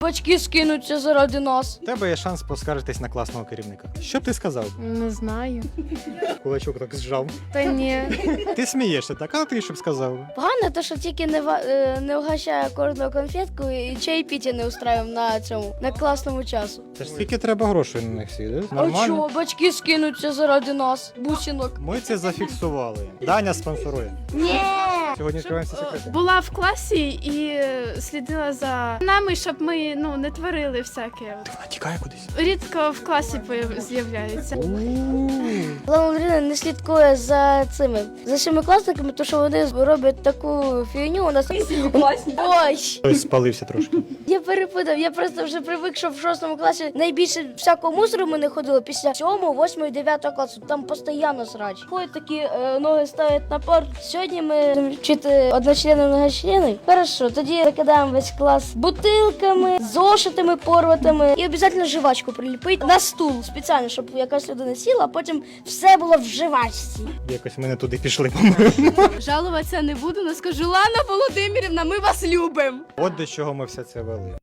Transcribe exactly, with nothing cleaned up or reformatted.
Батьки скинуться заради нас. У тебе є шанс поскаржитись на класного керівника. Що б ти сказав? Не знаю. Кулачок так зжав. Та ні. Ти смієшся так, а ти що б сказав? Погано те, що тільки не, ва- е, не вгощає кожного конфетку і чаєпіття не устраюємо на цьому, на класному часу. Це ж скільки треба грошей на них всі, да? А Нормально? чого? Батьки скинуться заради нас, бусинок. Ми це зафіксували. Даня спонсорує. Ні! Сьогодні відкриваємося секрети. Була в класі і слідила за нами, щоб ми ну не творили всяке. Вона тікає кудись. Рідко в класі появ- з'являється. Лана Андріївна не слідкує за цими, за семикласниками, тому що вони роблять таку фігню у нас. Ой! Хтось спалився трошки. Я перепутав, я просто вже привик, що в шостому класі найбільше всякого мусору ми не ходили після сьомого, восьмого, дев'ятого класу. Там постійно срач. Ходять такі е, ноги ставлять на парт. Сьогодні ми будемо вчити одночлени, многочлени. Хорошо, тоді закидаємо весь клас бутилками, зошитами порватими і обов'язково жвачку приліпити на стул спеціально, щоб якась людина сіла, а потім все було в жвачці. Якось ми не туди пішли, по-моєму. Жалуватися не буду, але скажу, Лана Володимирівна, ми вас любимо. От до чого ми все це вели.